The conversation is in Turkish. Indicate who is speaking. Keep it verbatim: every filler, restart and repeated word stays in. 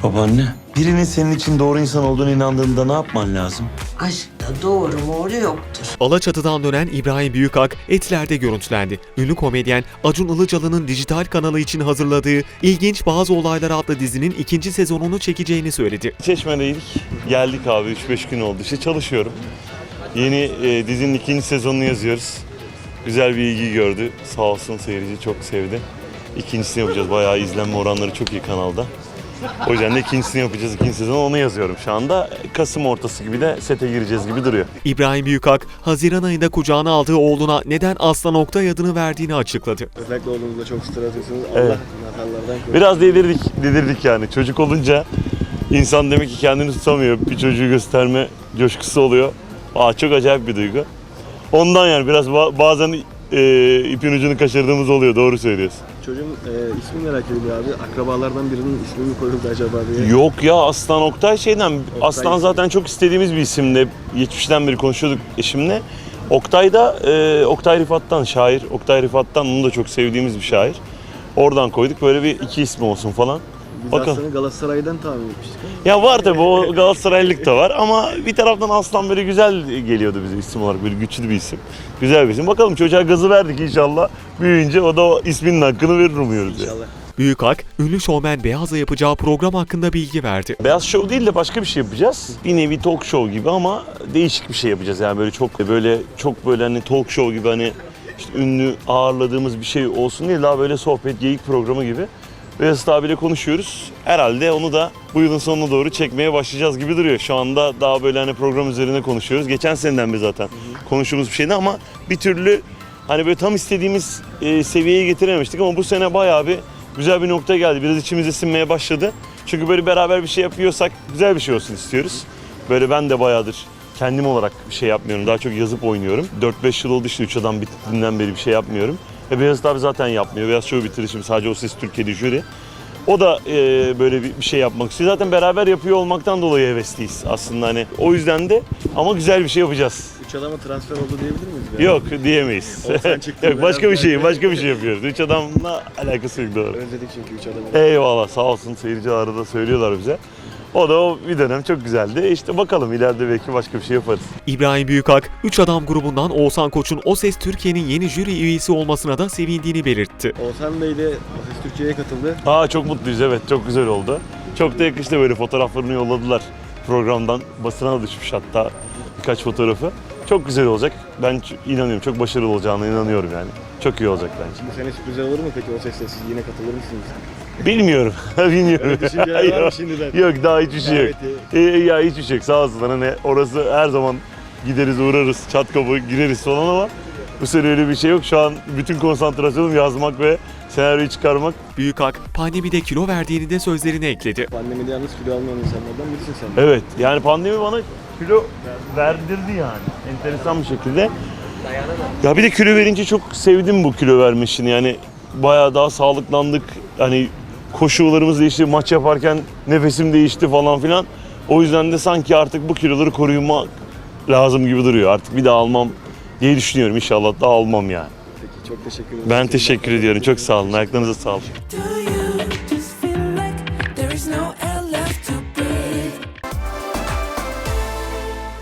Speaker 1: Babaanne, birinin senin için doğru insan olduğunu inandığında ne yapman lazım?
Speaker 2: Aşkta doğru mu yoktur.
Speaker 3: Alaçatı'dan dönen İbrahim Büyükak Etler'de görüntülendi. Ünlü komedyen Acun Ilıcalı'nın dijital kanalı için hazırladığı İlginç Bazı Olaylar adlı dizinin ikinci sezonunu çekeceğini söyledi.
Speaker 4: Çeşme'deydik. Geldik abi üç beş gün oldu. İşte çalışıyorum. Yeni e, dizinin ikinci sezonunu yazıyoruz. Güzel bir ilgi gördü. Sağ olsun seyirci çok sevdi. İkincisini yapacağız. Bayağı izlenme oranları çok iyi kanalda. O yüzden de ikincisini yapacağız. İkinci sezonu onu yazıyorum şu anda. Kasım ortası gibi de sete gireceğiz gibi duruyor.
Speaker 3: İbrahim Büyükak, Haziran ayında kucağına aldığı oğluna neden Aslan Oktay adını verdiğini açıkladı.
Speaker 5: Özellikle oğlunuzla çok stres atıyorsunuz. Allah
Speaker 4: Evet.
Speaker 5: nazarlardan korusun.
Speaker 4: Biraz dedirdik, dedirdik yani. Çocuk olunca insan demek ki kendini tutamıyor. Bir çocuğu gösterme coşkusu oluyor. Aa, çok acayip bir duygu. Ondan yani biraz ba- bazen e, ipin ucunu kaçırdığımız oluyor. Doğru söylüyorsun.
Speaker 5: Çocuğun e, ismi merak ediliyor abi. Akrabalardan birinin ismi mi koyuldu acaba diye.
Speaker 4: Yok ya, Aslan Oktay şeyden. Aslan
Speaker 5: ismi.
Speaker 4: zaten çok istediğimiz bir isimdi. Geçmişten beri konuşuyorduk eşimle. Oktay da e, Oktay Rifat'tan, şair. Oktay Rifat'tan, onu da çok sevdiğimiz bir şair. Oradan koyduk, böyle bir iki ismi olsun falan.
Speaker 5: Biz
Speaker 4: Bakalım.
Speaker 5: Aslan'ı Galatasaray'dan tahmin etmiştik.
Speaker 4: Ya var tabii, o Galatasaraylılık da var ama bir taraftan Aslan böyle güzel geliyordu bize isim olarak, böyle güçlü bir isim. Güzel bir isim. Bakalım, çocuğa gazı verdik, inşallah büyüyünce o da o isminin hakkını verir umuyoruz. Yani.
Speaker 5: İnşallah.
Speaker 3: Büyükak, ünlü şovmen Beyaz'la yapacağı program hakkında bilgi verdi.
Speaker 4: Beyaz Show değil de başka bir şey yapacağız. Bir nevi talk show gibi ama değişik bir şey yapacağız. Yani böyle çok böyle çok böyle hani talk show gibi, hani işte ünlü ağırladığımız bir şey olsun değil, daha böyle sohbet, geyik programı gibi. Beyaz abiyle konuşuyoruz. Herhalde onu da bu yılın sonuna doğru çekmeye başlayacağız gibi duruyor. Şu anda daha böyle hani program üzerine konuşuyoruz. Geçen seneden beri zaten konuştuğumuz bir şeydi ama bir türlü hani böyle tam istediğimiz e, seviyeye getirememiştik ama bu sene bayağı bir güzel bir noktaya geldi. Biraz içimize sinmeye başladı. Çünkü böyle beraber bir şey yapıyorsak güzel bir şey olsun istiyoruz. Böyle ben de bayağıdır kendim olarak bir şey yapmıyorum. Daha çok yazıp oynuyorum. dört beş yıl oldu işte üç adam bittiğinden beri bir şey yapmıyorum. E Beyaz abi zaten yapmıyor. Beyaz Show bitirir şimdi, sadece O Ses Türkiye'de jüri. O da e, böyle bir, bir şey yapmak istiyor. Zaten beraber yapıyor olmaktan dolayı hevesliyiz aslında hani. O yüzden de ama güzel bir şey yapacağız.
Speaker 5: Üç adama transfer oldu diyebilir miyiz? Yani?
Speaker 4: Yok diyemeyiz.
Speaker 5: Oğuzhan çıktı,
Speaker 4: Yok, başka bir
Speaker 5: Beyaz
Speaker 4: şey,
Speaker 5: geldi.
Speaker 4: başka bir şey yapıyoruz. Üç adamla alakası yok, doğru.
Speaker 5: Özledik çünkü üç adamı.
Speaker 4: Eyvallah, sağ olsun, seyirci arada söylüyorlar bize. O da o bir dönem çok güzeldi. İşte bakalım ileride belki başka bir şey yaparız.
Speaker 3: İbrahim Büyükak, Üç Adam grubundan Oğuzhan Koç'un O Ses Türkiye'nin yeni jüri üyesi olmasına da sevindiğini belirtti.
Speaker 5: Oğuzhan Bey de O Ses Türkiye'ye katıldı.
Speaker 4: Aa, çok mutluyuz, evet, çok güzel oldu. Çok da yakıştı, böyle fotoğraflarını yolladılar programdan. Basına da düşmüş hatta birkaç fotoğrafı. Çok güzel olacak. Ben ç- inanıyorum, çok başarılı olacağına inanıyorum yani. Çok iyi olacak bence.
Speaker 5: Bu sene sürprizler olur mu peki O Ses'te? Siz yine katılır mısınız?
Speaker 4: Bilmiyorum, bilmiyorum.
Speaker 5: Öyle düşünceler var mı şimdiden?
Speaker 4: Yok, daha hiçbir şey yok.
Speaker 5: Daveti.
Speaker 4: Ee, ya hiçbir şey yok, sağ olsunlar, hani orası her zaman gideriz, uğrarız, çat kapı gireriz falan ama bu sene öyle bir şey yok. Şu an bütün konsantrasyonum yazmak ve senaryoyu çıkarmak.
Speaker 3: Büyükak, pandemide kilo verdiğini de sözlerine ekledi.
Speaker 5: Pandemide yalnız kilo almayan insanlardan birisin sen.
Speaker 4: Evet, yani pandemi bana kilo verdirdi yani, enteresan bir şekilde. Ya bir de kilo verince çok sevdim bu kilo verme işini, yani bayağı daha sağlıklandık. Hani koşularımız değişti, maç yaparken nefesim değişti falan filan. O yüzden de sanki artık bu kiloları korumak lazım gibi duruyor. Artık bir daha almam diye düşünüyorum, inşallah daha almam yani.
Speaker 5: Peki çok teşekkür ederim.
Speaker 4: Ben teşekkür ediyorum, çok sağ olun, ayaklarınıza sağlık.